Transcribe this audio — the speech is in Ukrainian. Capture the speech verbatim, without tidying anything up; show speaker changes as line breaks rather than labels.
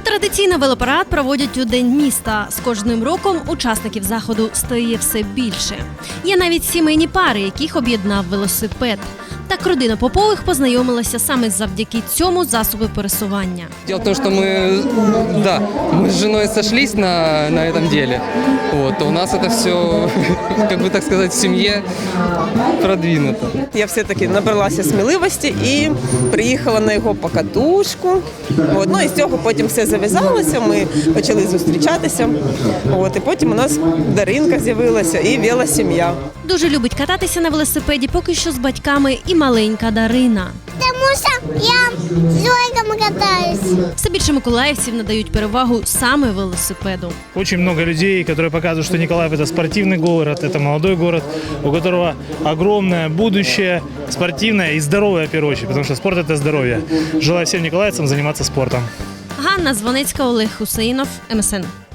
Традиційно велопарад проводять у День міста. З кожним роком учасників заходу стає все більше. Є навіть сімейні пари, яких об'єднав велосипед. Так родина Попових познайомилася саме завдяки цьому засобу пересування.
Дело в том, что мы, да, мы с женой сошлись на, на этом деле. Вот, у нас это все, как бы так сказать, в семье продвинуто.
Я все-таки набралася сміливості і приїхала на його покатушку. От, ну і з цього потім все зав'язалося, ми почали зустрічатися. От, і потім у нас Даринка з'явилася і велосім'я.
Дуже любить кататися на велосипеді поки що з батьками і маленька Дарина.
Потому что я с Зойком катаюсь.
Все більше миколаївців надають перевагу саме велосипеду.
Очень много людей, которые показывают, что Николаев – это спортивный город, это молодой город, у которого огромное будущее, спортивное и здоровое, в первую очередь, потому что спорт – это здоровье. Желаю всем николаевцам заниматься спортом.
Ганна Звонецька, Олег Хусеїнов, ем ес ен.